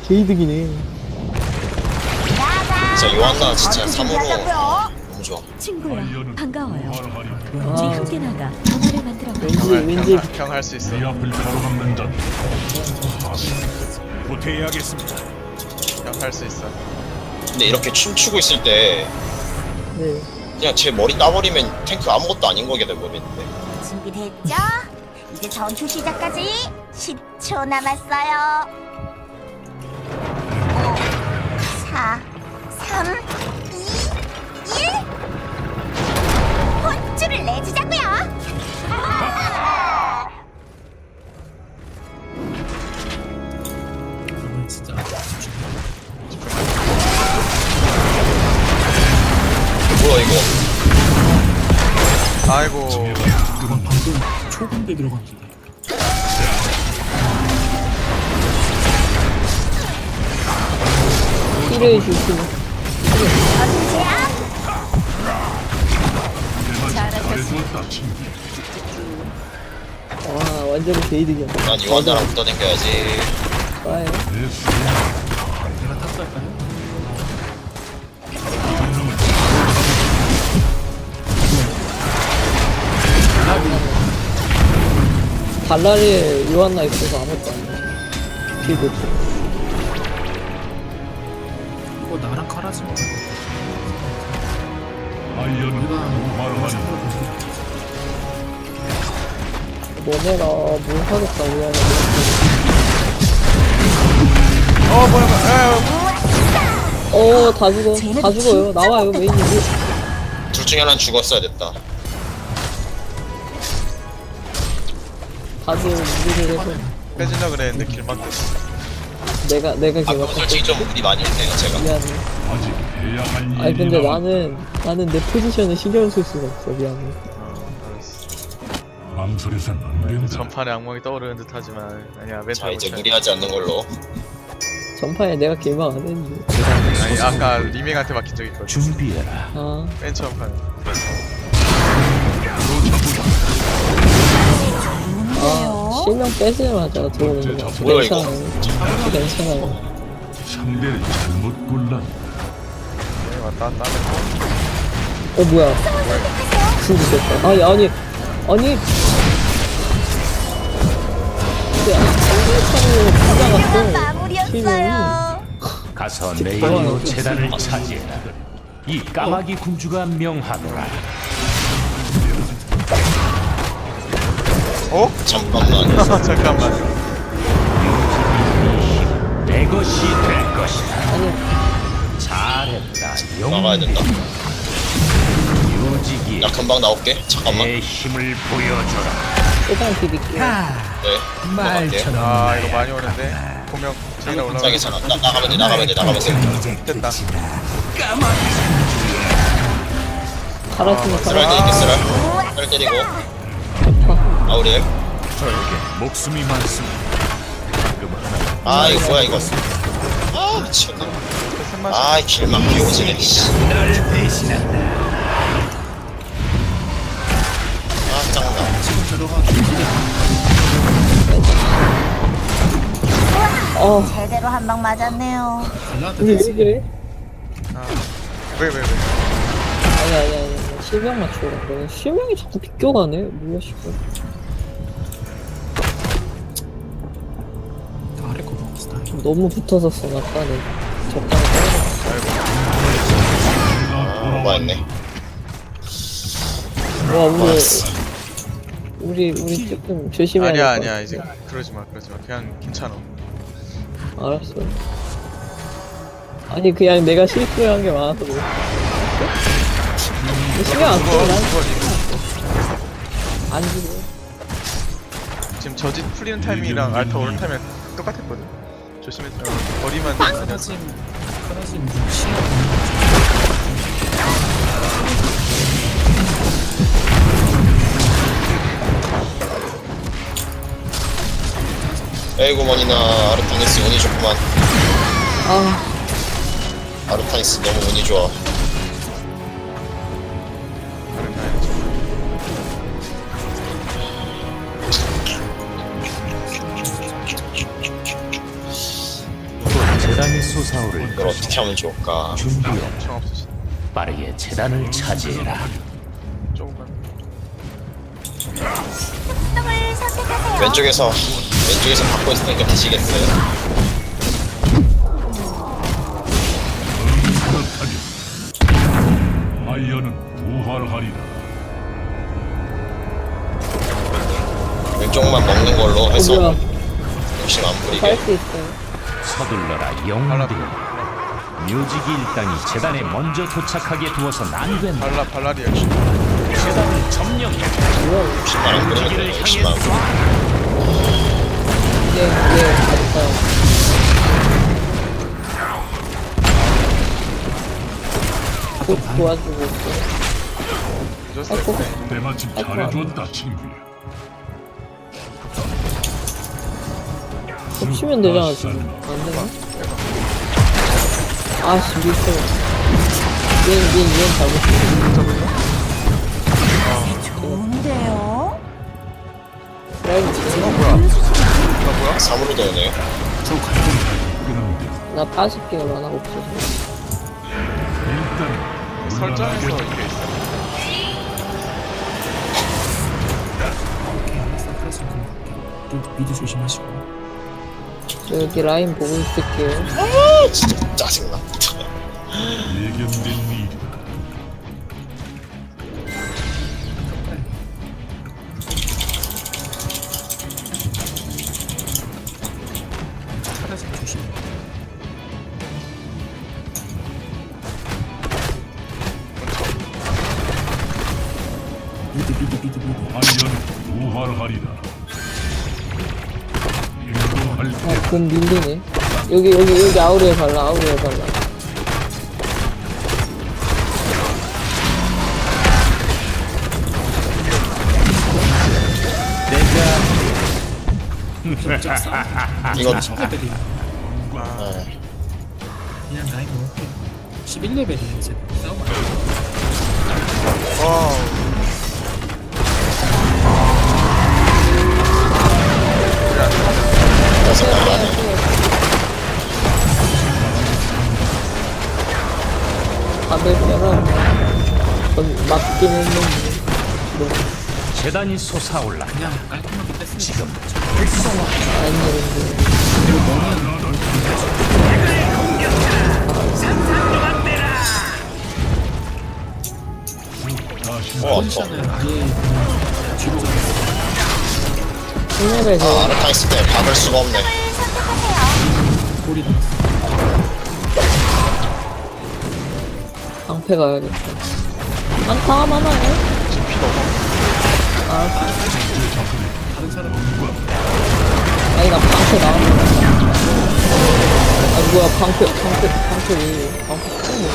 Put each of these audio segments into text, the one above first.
개이득이네. 진짜 요한나 진짜 3으로 너무 좋아. 친구야, 반가워요. 아, 우리 함께 나가 변화를 만들어봐. 왠지 형 할 수 있어. 이 앞을 가로막는 자 후퇴해야겠습니다. 형 할 수 있어. 근데 이렇게 춤추고 있을 때 네. 그냥 제 머리 따버리면 탱크 아무것도 아닌 거게 돼버리는데. 준비됐죠? 이제 전투 시작까지 10초 남았어요. 5, 4, 3, 2, 1. 혼쭐을 내주자고요. 뭐야 이거? 아이고. 그건 방금 초반대 들어갑니다. 힐을 주시네. 전제압. 잘해주었다 친구. 와, 완전 개이득이야. 난 요한나랑 붙어댕겨야지. 좋아요. 내 수행. 내가 탑살까요? 발랄에 요한나 있어서 아무것도 안 돼. 힐도 줘. 이거 나랑 깔아지 마. 아이언 오마르마니 너네가 뭘 하겠다, 요한나. 뭐야. 다 죽어. 다 죽어요. 나와요, 메인이. 둘 중에 하나는 죽었어야 됐다. 다들 무리를 해서. 빼질라 그랬는데 길막 됐어. 내가 아까 개막. 솔직히 좀 무리 많이 했네요 제가. 미안해. 아직 해야 할 일이 아니, 근데 남았다. 나는 내 포지션을 신경 쓸 수가 없어. 미안해. 알았어. 망설여선 안 된다. 전판에 악몽이 떠오르는 듯하지만 아니야 자 멘탈 이제 못 무리하지 않는 걸로. 전판에 내가 개막 안 했는데. 아니 아까 리밍한테 막힌 적 있거든. 준비해라. 아, 맨 처음 판. 실명 빼자마자 들어오는 거. 뭐야, 이거? 괜찮아요. 상대를 잘못 골랐다. 네, 왔다 갔다 하면 뭐야. 진짜 됐다. 아니. 근데 상대편으로 훌륭한 빗나갔어. 실명이. 마무리였어요. 가서 내 이름으로 재단을 차지해라. 이 까마귀 군주가 명하노라. 잠깐만. 잠깐만. 내 것이 될 것이다. 아니, 잘했다. 나가야 된다. 유지기 나 금방 나올게. 잠깐만. 내 힘을 보여줘라. 일단 비빌게요. 네. 들어갈게요. 아 이거 많이 오는데. 보명 제일 자 올라가. 괜찮아. 나가면 돼. 됐다. 갈았으면 쓰랄 갈아. 때리게 쓰랄 때리고. 아우리엘. 저에게 목숨이 많습니다. 아 이거 뭐야 이거. 아 미쳤나. 아 길막 비오지네. 널 배신한다. 아 짱나. 제대로 한 방 맞았네요. 우리 왜 그래? 왜? 아니. 실명 맞추라. 그래. 실명이 자꾸 비껴가네. 뭐야, 씨발. 아래 거 먹었어. 너무 붙어서 써, 아까는. 적당히 떨어졌어. 뭐했네. 와, 우리 조금 조심해야 될 것 같아. 아니야 이제 그러지 마. 그냥 괜찮아. 알았어. 아니, 그냥 내가 실수한 게 많아서 그래. 신경 안 써, 난. 안 죽어. 지금 저짓 풀리는 타이밍이랑 알타 오른 타이밍 똑같았거든. 조심해. 거리만 하나씩 시야. 에이고머니나 아르타니스 운이 좋구만. 아, 아르타니스 너무 운이 좋아. 재단이 솟아오를 이걸 어떻게 하면 좋을까? 준비해 엄청 없으시네. 빠르게 재단을 차지해라. 조금만. 을 선택하세요. 왼쪽에서 받고 있으니까 드시겠어요? 생각하니 아이언은 부활하리라. 왼쪽만 먹는 걸로 해서 뭐야? 욕심 안 부리게. 살 수 있어요. 서둘러라 영웅들. 묘지기 일당이 재단에 먼저 도착하게 두어서 안 된다. 발라리아. 재단을 점령해. 뭐야? 욕심만 안 부리면 묘지기를 돼요. 향해 욕심만 안 부리면. 쏴. 얘 갔다. 곧 도와주고 있어. 늦었어요. 네. 때마침 잘해줬다 친구야. 겹치면 되잖아 지금. 안 되나? 아씨 미쳐. 얘는 잘못했어. 좋은데요? 라이브 지금 뭐야? 3으로 되네요. 그런데 나 80개가 만화가 없어서. 일단 설정에서 이게 있어. 미드 조심하시고. 저 여기 라인 보고 있을게요. 아 진짜 짜증나. 예견된 일이다. 파란색 조심. 미드. 아이언은 부활하리라. 행동할 때 아, 금 밀리네. 여기 아우레에 발라, 아우레에 발라. 이거 레벨이 그냥 라인 먹을게. 11레벨이야 이제. 싸움 안 해. 와우. 생각이 안 해. 다들 빼라. 전 맞긴 했는데. 재단이 솟아올라. 그냥 깔끔하게 뺐으면 지금 아니는데. 다시 아파. 포지션을 아예 그냥 뒤로 잡았어. 신뢰를 아 아르타 있을 때 박을 수가 없네. 골이 방패 가야겠다. 안타가 많아요. 아, 다른 사람 아니, 나 방패 나왔어. 아, 뭐야, 방패 왜, 방패 쓰는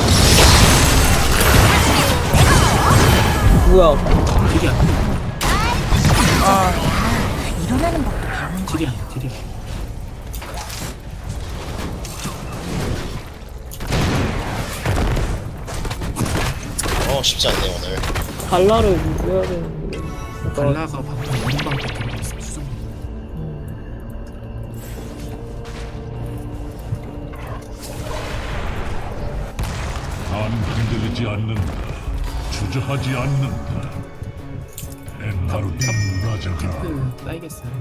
뭐야. 딜이 안 돼. 일어나는 법도 배우는 거. 딜이 안 돼. 딜이 안 돼. 쉽지 않네 오늘. 발라를 유지해야 되는데. 발라가 방금 원방 들어가 있어. 수정. 난 흔들리지 않는다. 주저하지 않는다. 엔나루딘 라자가 따이겠어요.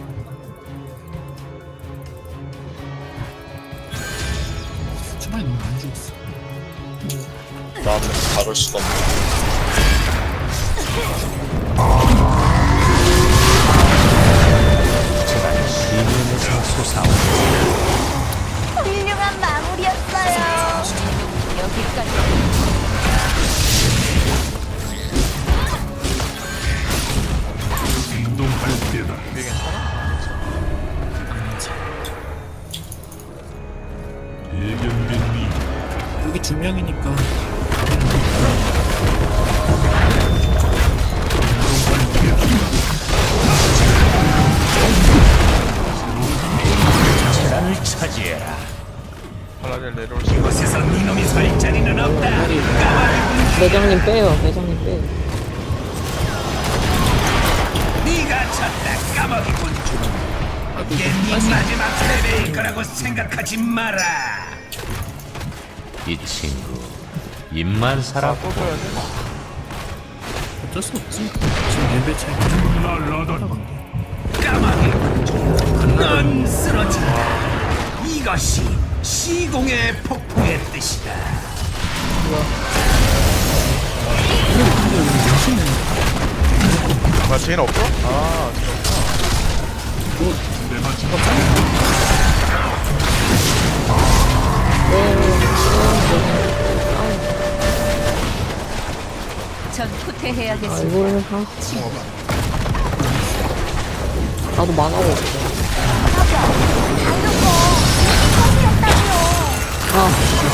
초반에 너무 안 죽었어. 나는 박을 수가 없네. 재단이 비면에서 솟아올라. 훌륭한 마무리였어요. 여기까지. 행동할 때다. 예견된 일. 여기 두 명이니까 재단을 차지해라. 발라리아 내려올 수 있어. 이곳에서 니놈이 설 자리는 없다. 매장님 빼요, 매장님 빼요. 네가 쳤다 까마귀 군주. 이 친구 입만 살았고 또 줘야 돼? 어쩔 수 없지. 지금 레벨 차이가 좀 날라던 넌 쓰러진다. 이것이 시공의 폭풍의 뜻이다. 아, 제인 없어? 아, 내가 지금 전 아 후퇴해야겠습니다. 이거를 나도 만화가 없어. 아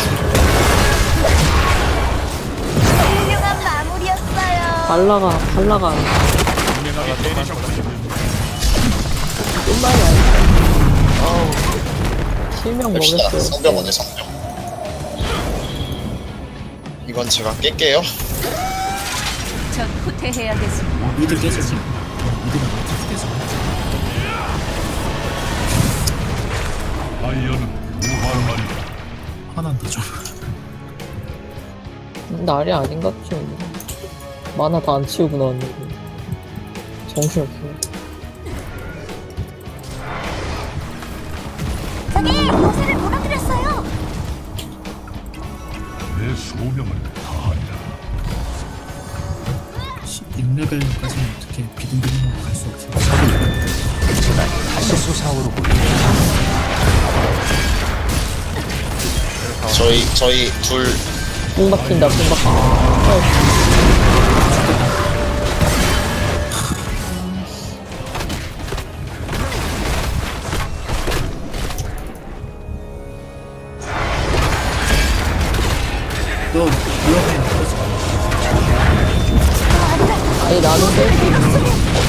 훌륭한 마무리였어요. 발라가 끝나지 않았어. 실명 뺍시다. 먹였어요. 성병 오네 성병. 이건 제가 깰게요. 전 후퇴해야겠습니다. 미드 깨졌지. 미드가 많이 깨져. 아이언은 무할말이다. 화난다 좀. 날이 아닌 것 같죠. 만화 다 안 치우고 나왔는데 정신없어. 저기 요새를 무너뜨렸어요. 내 소명을 다한다. 16레벨까지는 어떻게 비등비등하고 갈 수 없어. 재단이 다시 솟아오르고 저희 둘 뽕 박힌다 뽕 박힌다. 너 위험해. 그러지 마. 아니 나는 뺄수 있어.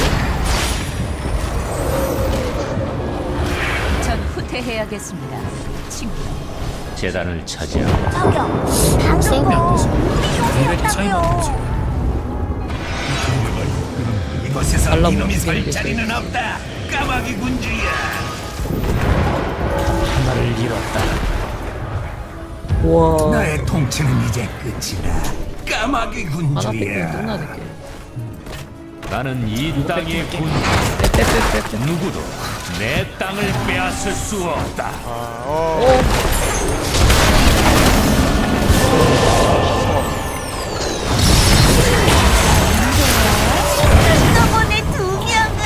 전 후퇴해야겠습니다. 친구. 재단을 차지하고 저기요. 싸움이 안 방금 되지. 거 레벨이 차이가 안 나지. 이곳에서 발라먹는 이놈이 설 게 자리는 없다. 까마귀 군주야. 하나를 잃었다. 우와 나의 통치는 이제 끝이다. 까마귀 하나 뺏기면 군주야. 끝나니까. 나는 이 땅의 군 빼빼빼빼. 누구도 내 땅을 빼앗을 수 없다. 한꺼번에 두 명을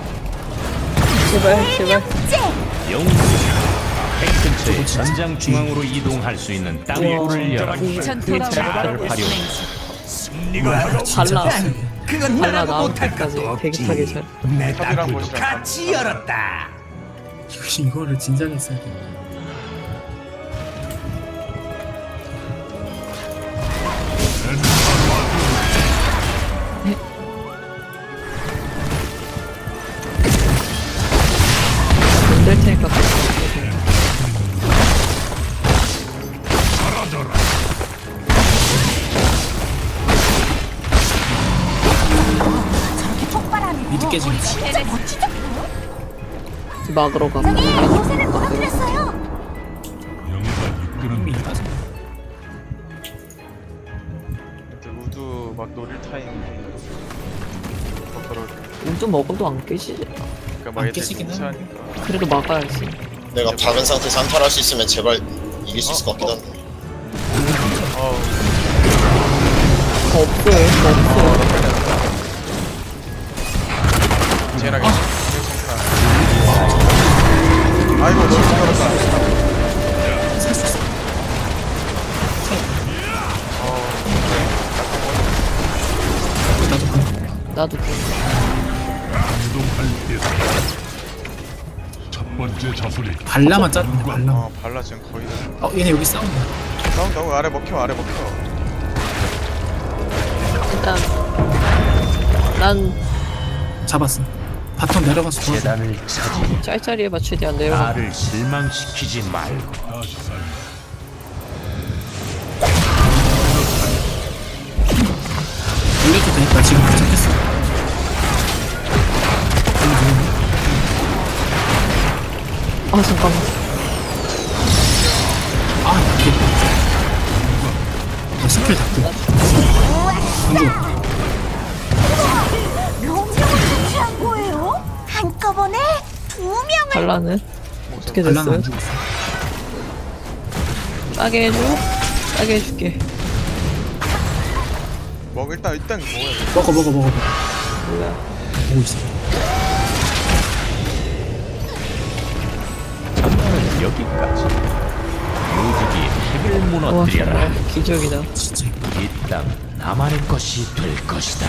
제발 제발. 째. 영웅이야. 핵 근처의 전장 중앙으로 이동할 수 있는 땅굴을 열어 전 그게 돌아오라. 나를 활용. 발라 그건 발라 나라고 나올 못할 때까지 것도 없지. 대기타기 잘. 내 탑이랑 땅굴도 보시라. 같이 열었다. 이거를 진작에 써야 돼. 될 테니까. 저렇게 폭발하는 미드 거 깨지겠지. 진짜 멋지죠? 막으러 가. 저기 요새를 무너뜨렸어요. 영예가 이끄는 미드 빠져. 이제 우두 막 노릴 타임. 더러울 때. 우주 먹어도 안 깨지지. 그러니까 막 안 애들 깨지긴 통치하니까. 그래도 막아야지. 내가 박은 상태에서 한타를 할 수 있으면 제발 이길 수 있을 것 같긴 한데. 없어요. 없어요. 제인하게. 아이고 너무 잘했다. 살수 있어. 나도 그 나도 운동할 때다. 첫 번째 자손이 발라만 짜는데 발라. 발라 지금 거의 다. 얘네 여기 싸운다. 나온다고 아래 먹혀 아래 먹혀. 일단 난 잡았어. 바텀 내려가서 도와줘. 재단을 차지. 짤짤이 해봐 최대한 내려가. 나를 실망시키지 말고. 다시 살 올려도 되니까 지금 도착했어. 아 잠깐만. 아 이게 아 스킬 다 끄. 명령을 제출한 거예요? 한꺼번에 2명을. 발라는 어떻게 반란 안 됐어요? 죽었어. 싸게 해줘. 싸게 해줄게. 일단 먹어야 돼. 먹어. 뭐야? 보고 있어. 전투는 여기까지. 묘지기의 핵을 와 무너뜨려라. 정말 기적이다. 진짜. 이 땅 나만의 것이 될 것이다.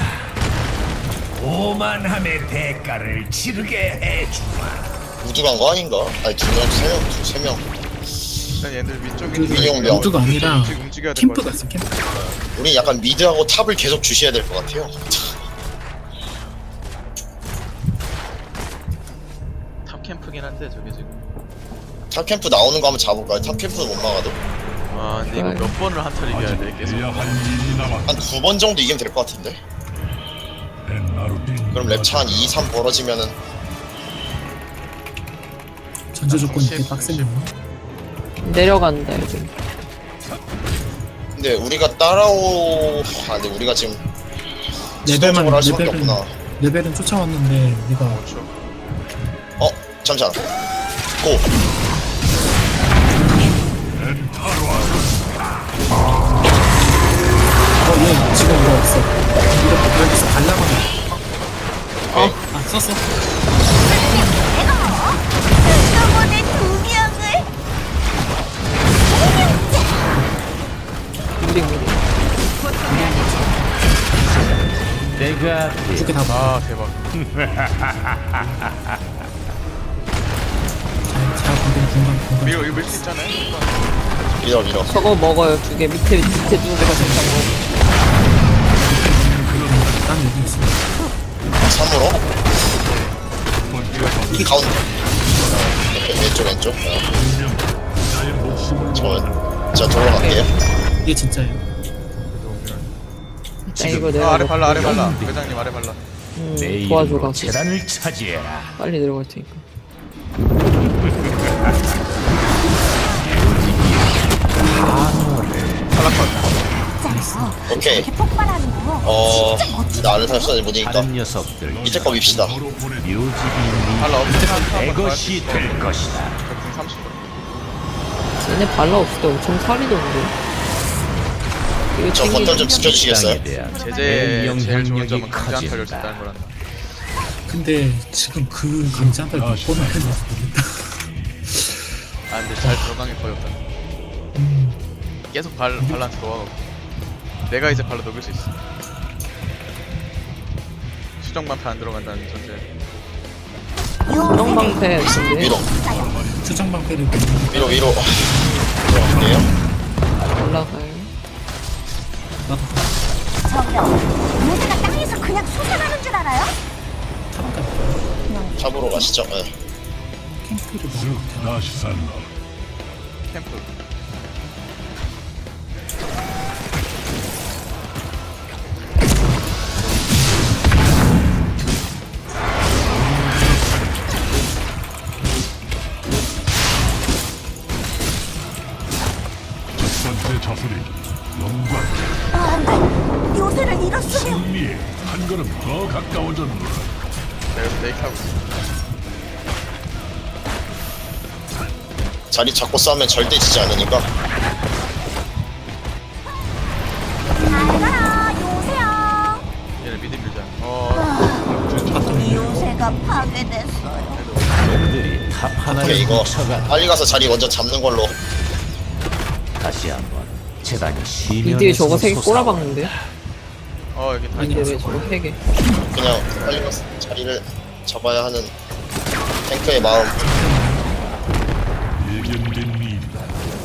오만함의 대가를 치르게 해주마. 우주 간 거 아닌가? 아니 2명, 3명, 3명. 일단 얘들 위쪽에 그 민용병. 우주가 아니라 지금 움직여야 될 캠프 것 같아. 갔어 캠프. 우리 약간 미드하고 탑을 계속 주셔야 될 것 같아요. 탑 캠프긴 한데 저게 지금. 탑 캠프 나오는 거 한번 잡을까요? 탑 캠프는 못 막아도 아 근데 이거 몇 번을 한타를 이겨야 돼 계속. 해야 할 일이 남았다. 한 2번 정도 이기면 될 것 같은데. 벤나루딘 그럼 랩차 한 2, 3 벌어지면은 전제 조건이 되게 빡세네. 내려간다 여기. 근데 우리가 근데 우리가 지금 레벨만 수동적으로 할 수밖에 없구나. 레벨은 쫓아왔는데 우리가 그렇죠. 잠시만. 고! 얘 지금 이거 없어. 이거 여기서 갈라면 아 썼어. 한꺼번에 2명을. 미리. 내가 두 개 다 봐. 아 대박. 잘 건드려 공간. 이거 밀 수 있잖아요. 밀어. 저거 먹어요. 2개 밑에 2개가 잠깐 먹어. 난 여기 있어. 3으로? 이 가운데. 왼쪽. 저 돌아갈게요. 이게 진짜예요. 자 이거 내가 아래 발라 영웅들. 회장님 아래 발라. 내 도와줘라. 이름으로 재단을 차지해라. 빨리 내려갈 테니까. 오케이. 이렇게 폭발하는 거. 진짜 멋지다. 나 아는 사람 수단이 못이니까 다른 녀석들 밑에 거 밉시다. 묘지기 발라 없으면 내 것이 될 것이다. 30. 얘네 발라 없을 때 엄청 살이던데. 이거 저 버튼 좀 지켜주시겠어요? 땅에 대한 제재 내 제일 좋은 영향력이 점은 강제 한타를 커진다. 준다는 거란다. 근데 지금 그 강자들 몇 번을 했는지 모르겠다. 아 근데 잘 들어간 게 거의 없다. 계속 발란스 놓아가고. 내가 이제 발로 녹일 수 있어. 수정만파 안 들어간다는 전제. 수정방패 근데 위로. 수정방패를 위로. 들어갈게요. 올라가요. 나도 저기요. 얘네가 땅에서 그냥 솟아나는 줄 알아요? 탑으로 가시죠. 네. 캠프를 먹어. 다시 살라. 캠프. 첫 번째 자수리 영광 안돼. 요새를 잃었으면. 승리에 한 걸음 더 가까워졌노라. 내가 메이크하고 있어. 자리 잡고 싸우면 절대 지지 않으니까. 잘 가라 요새야. 얘네 미드 밀자. 이 요새가 파괴됐어요. 놈들이 탑 오케이 하나를 이거 훔쳐간 빨리 가서 자리 먼저 잡는 걸로. 다시 한번 재단이 미드에 저거 시면에서 3개 꼬라박는데? 여기 다 아니 왜 저거 3개? 그냥 빨리 가서 자리를 잡아야 하는 탱크의 마음. 예견된 일이다.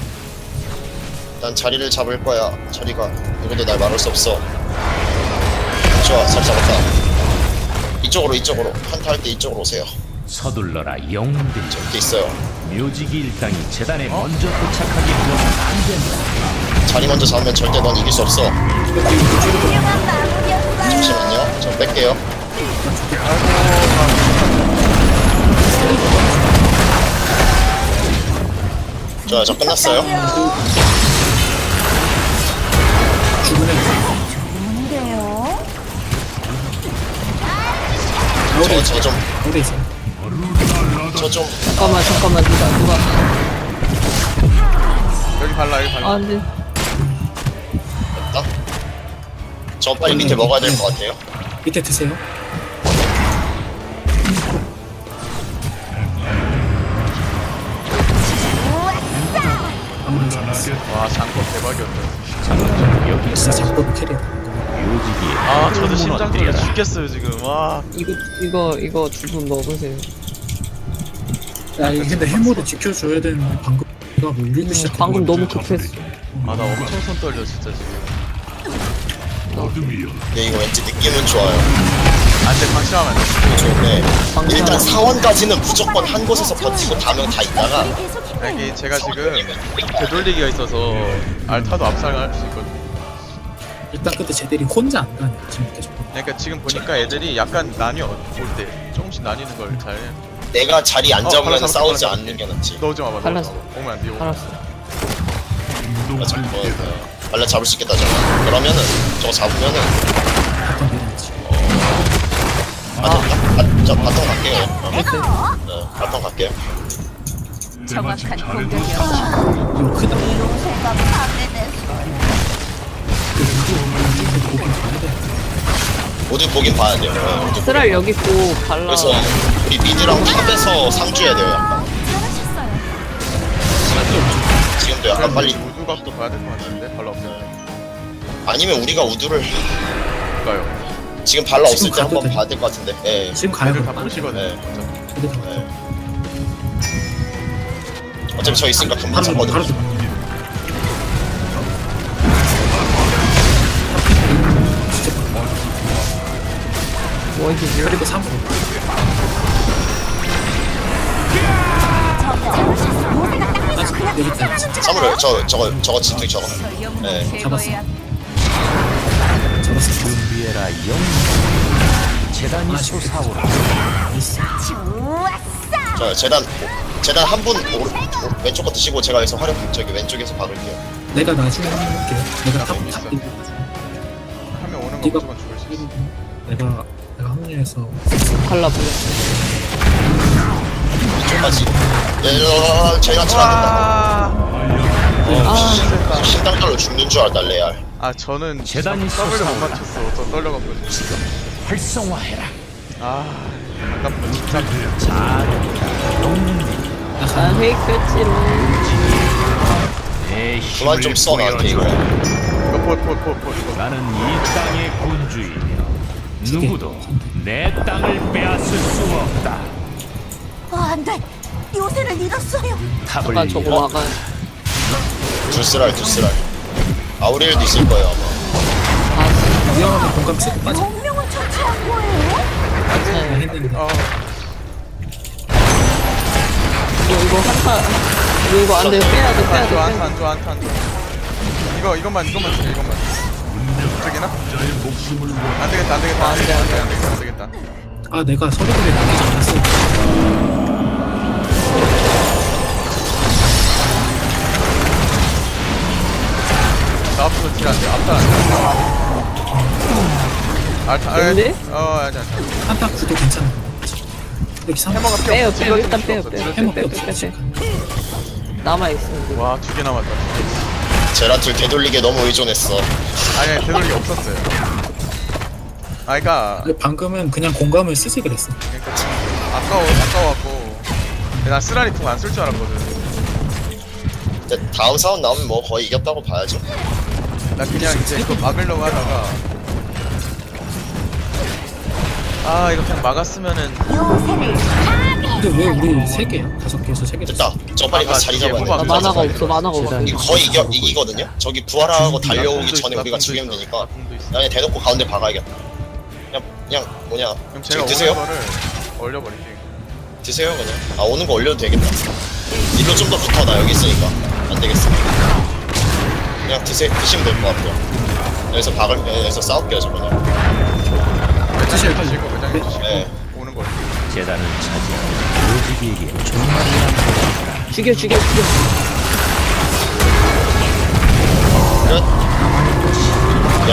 난 자리를 잡을 거야. 자리가 누구도 날 막을 수 없어. 좋아, 잘 잡았다. 이쪽으로 한타 할 때 이쪽으로 오세요. 서둘러라 영웅들이. 이렇게 있어요. 묘지기 일당이 재단에 먼저 도착하게 되어서는 안 된다. 자리 먼저 잡으면 절대 넌 이길 수 없어. 훌륭한 마무리였어요. 잠시만요. 저 뺄게요. 좋아요, 저 끝났어요. 죽으면 좋은데요? 가오리 저 좀, 가오리 있어. 저 좀, 잠깐만 누가 여기 발라 여기 발라. 아 안돼. 됐다. 저 빨리 밑에 먹어야 될 것 같아요. 밑에 드세요. 아무리 잘했어. 와 장법 대박이었다. 여기 진짜 작법 캐리어. 묘지기에 아 저도 심장 떨려 무너뜨려라. 죽겠어요 지금. 와. 이거 두 분 먹으세요. 야 이거 근데 해모를 지켜줘야 되는데 방금 내가 뭐 울리기 시작해. 방금 너무 급했어. 아 나 엄청 손 떨려 진짜 지금. 어둠이여 근데 이거 왠지 느낌은 좋아요. 안돼 방심하면 안 돼. 좋은데, 방금 일단 사원까지는 무조건 한 곳에서 버티고 다명 다 있다가, 이게 제가 지금 되돌리기가 있어서 알타도 압살할 수 있거든요. 일단 근데 쟤들이 혼자 안 가네. 지금 계속. 그러니까 지금 보니까 애들이 약간 나뉘어 볼 때 조금씩 나뉘는 걸 잘. 내가 자리 안 잡으면 발라 싸우지 잡았어. 않는 게 낫지. 넣지 마봐. 발랐어. 오면 안 돼. 오면. 알았어. 행동할 때다. 발라 잡을 수 있겠다, 저거. 그러면은, 저거 잡으면은, 바탕 내려야지. 저 바텀 갈게요. 네, 바텀 갈게요. 정확한 잘해줬어. 공격이었습니다. 이거 크다. 요새가 파괴됐어. 보긴 봐야 돼. 모두 보긴 봐야 돼요. 네, 모두. 쓰랄 여기 있고 발라. 그래서, 우리 미드랑 탑에서 상주해야 돼요, 약간. 잘하셨어요. 지금도 약간 빨리, 우두각도 봐야 될 것 같은데 발라 없을 때. 아니면 우리가 우두를, 가요. 지금 발라 없을 지금 때 한번 가도 돼. 봐야 될 것 같은데. 예. 지금 가야 애들 돼. 다 보시거든요. 네. 진짜. 쟤들 다 네. 어차피 저 있으니까 금방 바로 잡거든요. 바로 돼. 뭐 이게 그리고 3분. 요새가 땅에서 그냥 여기 있다. 진짜 사물을, 저거 진퉁 저거. 저 영웅을 네, 잡았어. 제거해야 잡았어. 준비해라 영. 재단이 솟아오라. 나이스. 저 좋았어. 재단 한 분 왼쪽 거 드시고 제가 여기서 화력 저기 왼쪽에서 박을게요. 내가 나중에 한번 할게. 내가 탑 있어. 탑. 하면 오는 거 네가 무조건 죽을 수 있어. 내가 합류해서 발라 발라. 이쪽까지. 제가 들어간다. 아. 신당달로 죽는 줄 알았다 레알. 아 저는 재단이 더블을 못 솟아오라. 맞췄어. 저 떨려갖고. 활성화해라. 아 아깝다 진짜. 난 회익 뺐지롱. 내 그만 힘을 좀 써 나한테 이거. 보여주라. 이거 폴. 나는 이 땅의 군주이며 누구도 내 땅을 빼앗을 수 없다. 안 돼. 요새를 잃었어요. 탑을 잠깐 저거 잃어 막아. 두스랄. 아우리엘도 있을 거예요 아마. 위험하면 공감 쓰고 빠져. 운명을 처치한 거예요? 괜찮아요. 했는데 어 이거 한타. 이거 안 돼. 빼야 돼. 빼야 돼. 안 좋아. 이것만 주세요. 이것만. 저기나? 안 되겠다. 아 내가 서류들에 남기지 않았어. 나 앞으로 딜안 돼. 앞달 안 돼. 알타. 근데? 아니. 한타 구도 괜찮아. 여기 3 해머가 빼요. 필요 없어. 일단 필요 빼요. 없어. 해먹 빼. 남아 있어. 와, 2개 남았다. 제라툴 되돌리게 너무 의존했어. 아니, 되돌리기 없었어요. 그러니까 방금은 그냥 공감을 쓰지 그랬어. 아까워갖고. 난 쓰라리 통 안 쓸 줄 알았거든. 근데 다음 사원 나오면 뭐 거의 이겼다고 봐야죠. 나 그냥 이제 그거 막으려고 하다가 이거 그냥 막았으면은 요새를 근데 왜 우리 3개야? 5개에서 3개 됐다. 저 빨리 가서 자리 잡아야 후방. 돼. 나 만화가 없어. 만화가 없어. 이거 거의 이기거든요? 저기 부활하고 달려오기 전에 우리가 죽이면 되니까 그냥 대놓고 가운데 박아야겠다. 그냥 뭐냐 그럼 제가 지금 드세요? 오는 거를 얼려버릴게. 드세요 그냥. 아 오는 거 올려도 되겠다. 일로 좀 더 붙어. 나 여기 있으니까 안 되겠어. 그냥 드시면 될 것 같아요. 여기서 싸울게요 저 그냥. 드실 다시 이거 매장에 주시고 네. 오는 걸. 재단을 차지하고 묘지기에게 종말이란 죽여.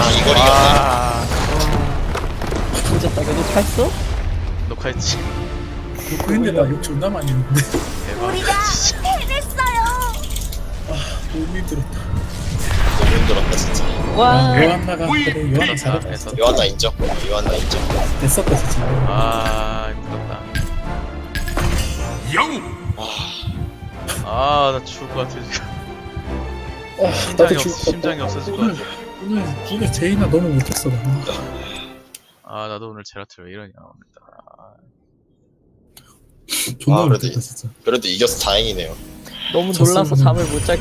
이걸 이겼네. 아, 진짜 따개도 탔어? 녹화했지. 근데 나 욕 존나 많이 했는데. 대박. 우리가 해냈어요. 너무 힘들었다. 너무 힘들었다 진짜. 와. 요한나가 그래 요한나 잘했다. 됐어. 요한나 인정. 요한나 인정. 됐었다 진짜. 아, 힘들었다. 영웅 아, 나 죽을 것 같아 지금. 나도 죽을 것 심장이 같다. 없어질 것 같아. 오늘 제이나 너무 못했어 나. 아, 나도 오늘 제라트 왜 이러냐 오늘. 존나 아, 그래도 못했다 진짜. 그래도 이겨서 다행이네요. 너무 놀라서 졌으면은- 잠을 못 잘